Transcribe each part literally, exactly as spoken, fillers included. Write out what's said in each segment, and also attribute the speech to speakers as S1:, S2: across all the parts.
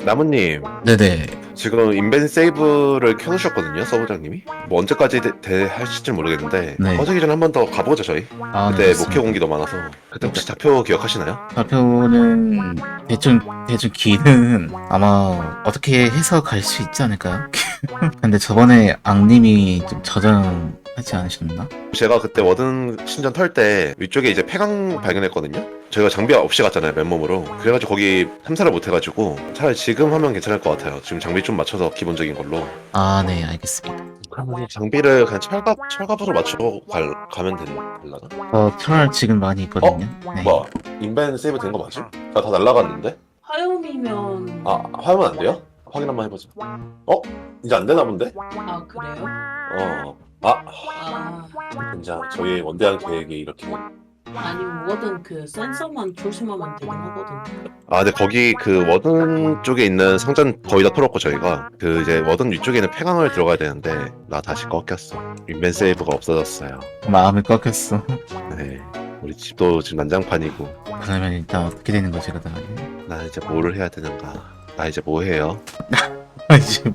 S1: 나무님,
S2: 네네.
S1: 지금 인벤 세이브를 켜놓으셨거든요, 서부장님이. 뭐 언제까지 대, 대 하실지 모르겠는데
S2: 네.
S1: 꺼지기 전에 한 번 더 가보죠, 저희.
S2: 아, 네,
S1: 그때
S2: 좋습니다.
S1: 목표 공기 너무 많아서. 그때 혹시 좌표 기억하시나요?
S2: 좌표는 대충 대충 길은 아마 어떻게 해서 갈 수 있지 않을까요? 근데 저번에 앙님이 좀 저장하지 않으셨나?
S1: 제가 그때 워든 신전 털 때 위쪽에 이제 폐광 발견했거든요. 저희가 장비 없이 갔잖아요, 맨몸으로. 그래가지고 거기 탐사를 못 해가지고 차라리 지금 하면 괜찮을 것 같아요. 지금 장비 좀 맞춰서 기본적인 걸로.
S2: 아, 네, 알겠습니다.
S1: 그러면 장비를 그냥 철갑 철갑으로 맞추고 갈, 가면 되, 되려나?
S2: 저 철 지금 많이 있거든요. 네.
S1: 뭐 인벤 세이브 된 거 맞지? 다, 다 날라갔는데?
S3: 화염이면
S1: 아 화면 안 돼요? 확인 한번 해보자. 어? 이제 안 되나 본데?
S3: 아 그래요?
S1: 어. 아
S3: 아
S1: 진짜 저희 원대한 계획이 이렇게.
S3: 아니 뭐든 그 센서만 조심하면 되긴 하거든.
S1: 아 근데 거기 그 워든 쪽에 있는 상자는 거의 다 털었고 저희가 그 이제 워든 위쪽에 있는 폐광을 들어가야 되는데 나 다시 꺾였어. 인벤 세이브가 없어졌어요.
S2: 마음이 꺾였어.
S1: 네. 우리 집도 지금 난장판이고.
S2: 그러면 일단 어떻게 되는 거지, 그다음에?
S1: 나 이제 뭐를 해야 되는가? 나 이제 뭐 해요?
S2: 아, 지금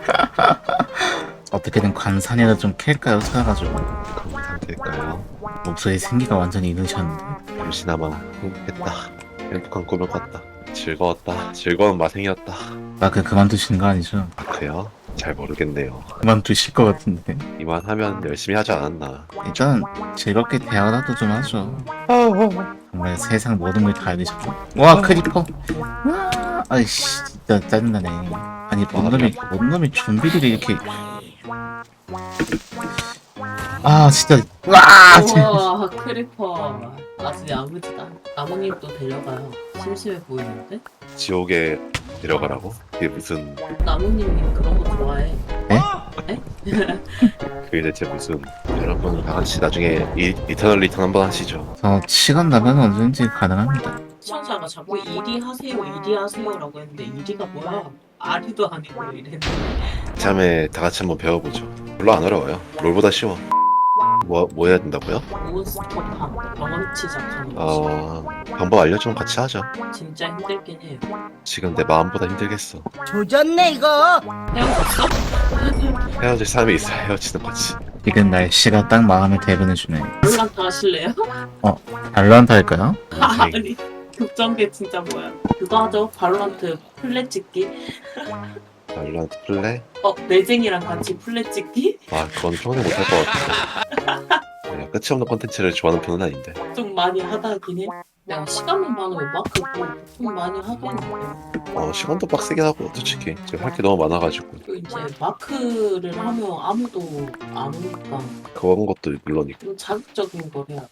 S2: 어떻게든 관산이라도 좀 캘까요? 찾아가지고.
S1: 그런 상태일까요?
S2: 목소리 생기가 완전히 잃으셨는데.
S1: 잠시나마 행복했다. 행복한 꿈을 꿨다. 즐거웠다. 즐거운 마생이었다.
S2: 마크 그만두시는 거 아니죠?
S1: 마크요? 잘 모르겠네요.
S2: 그만두실 것 같은데.
S1: 이만하면 열심히 하지 않았나.
S2: 일단 즐겁게 대화라도 좀 하죠. 정말 세상 모든 걸 다 알리셨죠. 와, 크리퍼. 와, 아이씨, 진짜 짜증나네. 아니, 뭔 놈이, 뭔 놈이 좀비들이 이렇게. 아, 진짜. 와, 진짜.
S3: 우와 크리퍼 아주 야무지다. 나무님도 데려가요. 심심해 보이는데?
S1: 지옥에 데려가라고? 그게 무슨
S3: 나무님이 그런 거 좋아해.
S1: 그게 대체 무슨. 여러분 다 같이 나중에 이, 이터널 리턴 한번 하시죠.
S2: 저 시간 나면 언제든지 가능합니다.
S3: 시청자가 자꾸 이리 하세요 이리 하세요라고 했는데 이리가 뭐야? 아리도 아니고 이랬는데
S1: 참에 다 같이 한번 배워보죠. 별로 안 어려워요. 롤보다 쉬워. 뭐, 뭐 해야 된다고요?
S3: 몬스터팜 경험치 작하는 거지.
S1: 어... 방법 알려주면 같이 하죠.
S3: 진짜 힘들긴 해요.
S1: 지금 내 마음보다 힘들겠어.
S4: 조졌네 이거.
S3: 헤어졌어?
S1: 헤어질 사람이 있어야 헤어지는 거지.
S2: 지금 날씨가 딱 마음을 대변해주네.
S3: 롤란타 하실래요?
S2: 발로한테 할까요?
S3: 아니 급전개 진짜 뭐야? 그거 하죠. 발로란트 플랫 찍기.
S1: 발로란트 플레이?
S3: 어 매쟁이랑 같이 플랫 찍기?
S1: 아 그건 평생 못할 것 같아. 그냥 끝이 없는 콘텐츠를 좋아하는 편은 아닌데.
S3: 좀 많이 하다긴 해. 내가 시간만 많으면 마크 뭐좀 많이 하겠는데.
S1: 어 시간도 빡세긴 하고 솔직히 지금 할 게 너무 많아가지고.
S3: 또 이제 마크를 하면 아무도 안 오니까
S1: 그런 것도 물론이고.
S3: 좀 자극적인 걸 해야 돼.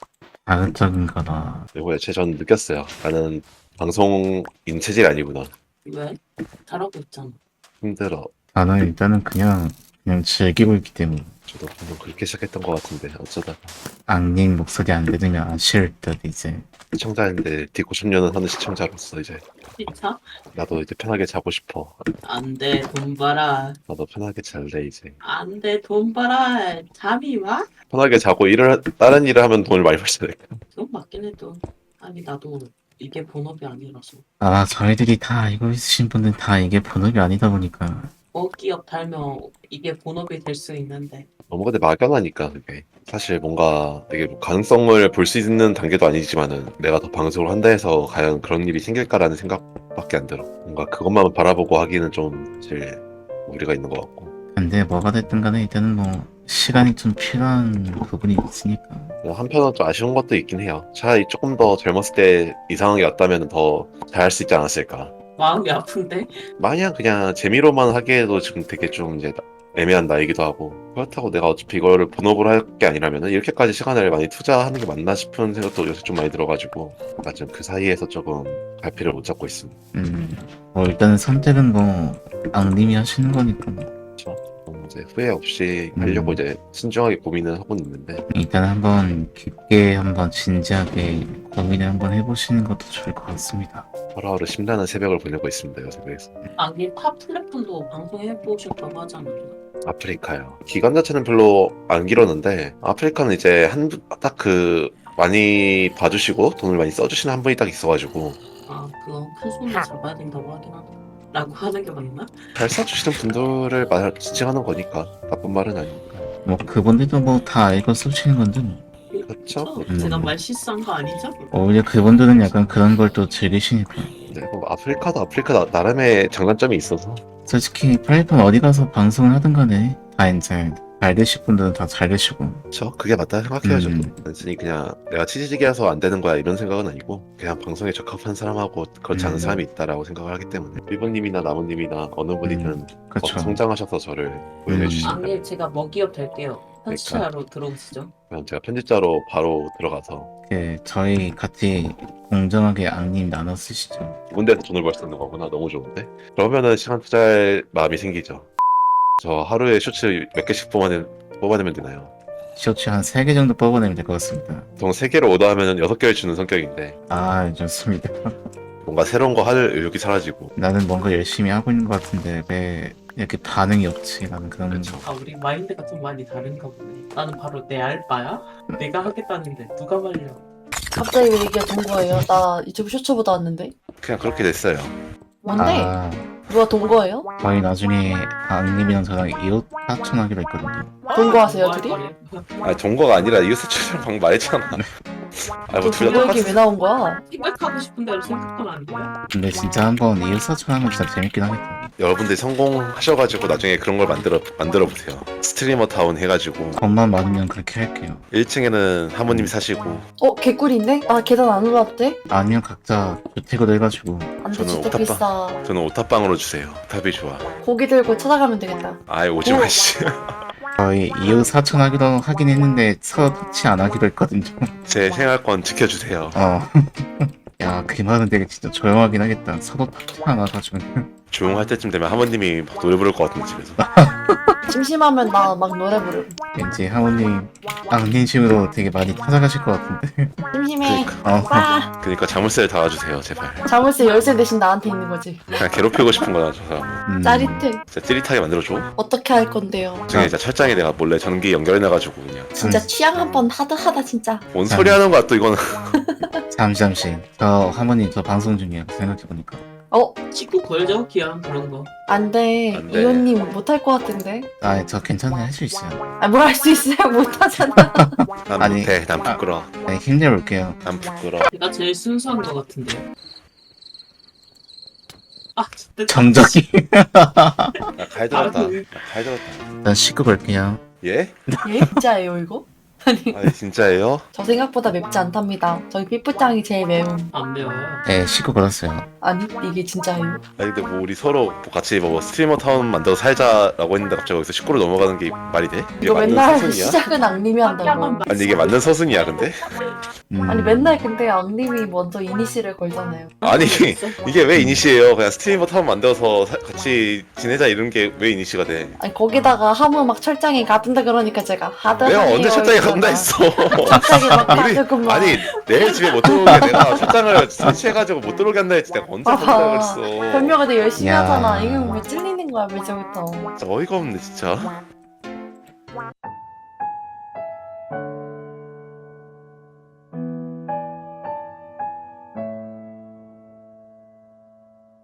S2: 자극적인 거나.
S1: 그리고 애초에 전 느꼈어요. 나는 방송인 체질이 아니구나.
S3: 왜? 잘하고 있잖아.
S1: 힘들어.
S2: 나는 일단은 그냥, 그냥 즐기고 있기 때문에.
S1: 저도 방금 그렇게 시작했던 것 같은데 어쩌다가
S2: 앙님 목소리 안 들으면 아쉬울 듯, 이제.
S1: 시청자인데 디코십 년은 하는 시청자로서 이제
S3: 진짜?
S1: 나도 이제 편하게 자고 싶어.
S3: 안돼 돈 벌아.
S1: 나도 편하게 잘래 이제.
S3: 안돼 돈 벌아. 잠이 와?
S1: 편하게 자고 일을 하- 다른 일을 하면 돈을 많이 벌어야 돼.
S3: 그건 맞긴 해도 아니 나도 이게 본업이 아니라서
S2: 아마 저희들이 다 알고 있으신 분들 다 이게 본업이 아니다 보니까.
S3: 어 기업 달면 이게 본업이 될 수 있는데
S1: 너무 근데 막연하니까 그게 사실 뭔가 되게 뭐 가능성을 볼 수 있는 단계도 아니지만은 내가 더 방송을 한다 해서 과연 그런 일이 생길까라는 생각밖에 안 들어. 뭔가 그것만 바라보고 하기는 좀 제일 무리가 있는 것 같고.
S2: 근데 뭐가 됐든 간에 일단은 뭐 시간이 좀 필요한 부분이 있으니까.
S1: 한편으로 좀 아쉬운 것도 있긴 해요. 차라리 조금 더 젊었을 때 이 상황이 왔다면 더 잘할 수 있지 않았을까.
S3: 마음이 아픈데
S1: 마냥 그냥 재미로만 하기에도 지금 되게 좀 이제 애매한 나이기도 하고, 그렇다고 내가 어차피 이거를 본업으로 할 게 아니라면 이렇게까지 시간을 많이 투자하는 게 맞나 싶은 생각도 요새 좀 많이 들어가지고 나 지금 그 사이에서 조금 갈피를 못 잡고 있습니다.
S2: 음, 뭐 일단은 선택은 뭐 앙님이 하시는 거니까.
S1: 좀 이제 후회 없이 하려고
S2: 음.
S1: 이제 신중하게 고민을 하고 있는데
S2: 일단 한번 깊게 한번 진지하게 고민을 한번 해보시는 것도 좋을 것 같습니다.
S1: 하루하루 심란한 새벽을 보내고 있습니다. 요새 그래서
S3: 아니 탑 플랫폼도 방송해 보셨다고 하잖아.
S1: 아프리카요. 기간 자체는 별로 안 길었는데 아프리카는 이제 한 딱 그 많이 봐주시고 돈을 많이 써주시는 한 분이 딱 있어가지고
S3: 아 그건 큰 손을 잡아야 된다고 하긴 하더라. 라고 하는 게 맞나?
S1: 잘 써주시는 분들을 말 지칭하는 거니까 나쁜 말은 아니니까.
S2: 뭐 그분들도 뭐 다 알고 쏘시는 건데 뭐.
S1: 그렇죠.
S2: 음.
S3: 제가 말 실수한 거 아니죠?
S2: 오히려 그분들은 약간 그런 걸 또 즐기시니까.
S1: 네, 뭐 아프리카도 아프리카 나, 나름의 장단점이 있어서
S2: 솔직히 플랫폼 어디 가서 방송을 하든 간에 다 이제 잘 되실 분들은 다 잘 되시고.
S1: 저 그게 맞다 생각해요. 저도
S2: 음.
S1: 단순히 그냥 내가 치지직이라서 안 되는 거야 이런 생각은 아니고 그냥 방송에 적합한 사람하고 그렇지 않은
S2: 음.
S1: 사람이 있다라고 생각을 하기 때문에 일본님이나 나무님이나 어느 분이든
S2: 음,
S1: 더
S2: 그렇죠.
S1: 성장하셔서 저를 고용해
S2: 음.
S1: 주시면
S3: 아니 제가 먹이업 될게요. 편집자로 들어오시죠.
S1: 그냥 제가 편집자로 바로 들어가서
S2: 그 저희 같이 공정하게 악님 나눠 쓰시죠.
S1: 좋은 데서 돈을 벌 수 있는 거구나. 너무 좋은데? 그러면은 시간 투자할 마음이 생기죠. 저 하루에 쇼츠 몇 개씩 뽑아내, 뽑아내면 되나요?
S2: 쇼츠 한 세 개 정도 뽑아내면 될 것 같습니다.
S1: 보통 세 개를 오더하면 여섯 개를 주는 성격인데
S2: 아, 좋습니다.
S1: 뭔가 새로운 거 할 의욕이 사라지고
S2: 나는 뭔가 열심히 하고 있는 것 같은데 왜 이렇게 반응이 없지? 나는 그런
S1: 그렇죠.
S3: 아 우리 마인드가 좀 많이 다른가 보네. 나는 바로 내 알바야? 내가 하겠다는데 누가 말려?
S4: 갑자기 왜 얘기가 된 거예요? 나 유튜브 쇼츠 보다 왔는데.
S1: 그냥 그렇게 됐어요.
S4: 뭔데?
S2: 아,
S4: 누가 돈 거예요?
S2: 저희 나중에 악님이랑 저랑 이웃 사촌하기로 했거든요.
S4: 동거하세요,
S3: 뭐 할
S4: 둘이?
S3: 거래?
S1: 아니 동거가 아니라 이웃사촌이랑 방금 말했잖아. 아뭐 둘 다
S4: 동거 얘기
S1: 똑같아.
S4: 왜 나온 거야?
S3: 생각하고 싶은 대로 생각하면 안 돼요?
S2: 근데 진짜 한번 이웃 사촌하면 진짜 재밌긴 하겠다.
S1: 여러분들이 성공하셔가지고 나중에 그런 걸 만들어 만들어 보세요. 스트리머 타운 해가지고
S2: 돈만 많으면 그렇게 할게요.
S1: 일 층에는 하모님이 사시고
S4: 어, 개꿀인데? 아, 계단 안 올라도 돼?
S2: 아니면 각자 주택으로 해가지고
S4: 안 돼,
S1: 저는
S4: 진짜
S1: 오타빠.
S4: 비싸.
S1: 저는 오타빵으로 주세요. 오탑이 좋아.
S4: 고기 들고 찾아가면 되겠다.
S1: 아예 오지마
S4: 오.
S1: 씨.
S2: 저희 이웃 사촌하기로 하긴 했는데 서로 터치 안 하기로 했거든요.
S1: 제 생활권 지켜주세요.
S2: 어. 야, 그 말은 되게 진짜 조용하긴 하겠다. 서로 터치 안 와가지고.
S1: 조용할 때쯤 되면 하모님이 막 노래 부를 것 같은데 집에서.
S4: 심심하면 나 막 노래 부르고.
S2: 왠지 하모님 악린심으로 되게 많이 찾아가실 것 같은데.
S4: 심심해.
S1: 그러니까.
S2: 어.
S4: 와!
S1: 그러니까 자물쇠를 달아주세요 제발.
S4: 자물쇠 열쇠 대신 나한테 있는 거지.
S1: 그냥 괴롭히고 싶은 거야 저 사람.
S2: 음.
S4: 짜릿해.
S1: 진짜 찌릿하게 만들어줘.
S4: 어떻게 할 건데요?
S1: 나중에 진짜 철장에 내가 몰래 전기 연결해놔가지고 그냥.
S4: 진짜
S2: 음.
S4: 취향 한번 하드하다 진짜.
S1: 뭔 소리 하는 거야 또 이거는.
S2: 잠시 잠시. 저 하모님 저 방송 중이에요. 생각해보니까.
S4: 어,
S3: 친구 걸죠? 기왕 그런 거.
S4: 안 돼.
S1: 안 돼.
S4: 이호님 못할 것 같은데.
S2: 아, 저 괜찮아요. 할 수 있어요.
S4: 아, 뭘 할 수 있어요? 못하잖아.
S1: 난
S2: 아니.
S1: 못해. 난 부끄러.
S2: 네, 힘내볼게요.
S1: 난 부끄러.
S3: 제가 제일 순수한 것 같은데요. 아 진짜
S2: 정적이.
S1: 나칼 들었다. 나칼 들었다.
S2: 일단 씻고 볼게요.
S1: 예?
S4: 예? 진짜예요 이거? 아니
S1: 아니 진짜예요?
S4: 저 생각보다 맵지 않답니다. 저희 삐뿌짱이 제일 매운.
S3: 안 매워요.
S2: 네, 씻고 걸었어요.
S4: 아니 이게 진짜예요.
S1: 아니 근데 뭐 우리 서로 뭐 같이 뭐 스트리머 타운 만들어서 살자라고 했는데 갑자기 여기서 식구로 넘어가는 게 말이 돼? 이게
S4: 이거
S1: 맞는
S4: 맨날
S1: 서순이야?
S4: 시작은 악님이 한다고.
S1: 아니 이게 맞는 서순이야 근데?
S2: 음.
S4: 아니 맨날 근데 악님이 먼저 이니시를 걸잖아요.
S1: 아니 이게 왜 이니시예요? 그냥 스트리머 타운 만들어서 사- 같이 지내자 이런 게 왜 이니시가 돼?
S4: 아니 거기다가 하무 막 철장에 가둔다 그러니까 제가 하드하네요.
S1: 내가 언제 철장에
S4: 이러다가
S1: 간다 했어?
S4: 갑자기 막
S1: 우리
S4: 가지고 막.
S1: 아니 내일 집에 못 들어오게 내가 철장을 설치해가지고 못 들어오게 한다 했지 내가 언제 간다
S4: 봐봐.
S1: 그랬어?
S4: 변명을 되게 열심히
S2: 야.
S4: 하잖아. 이거 왜 찔리는 거야 벌써부터.
S1: 진짜 어이가 없네 진짜.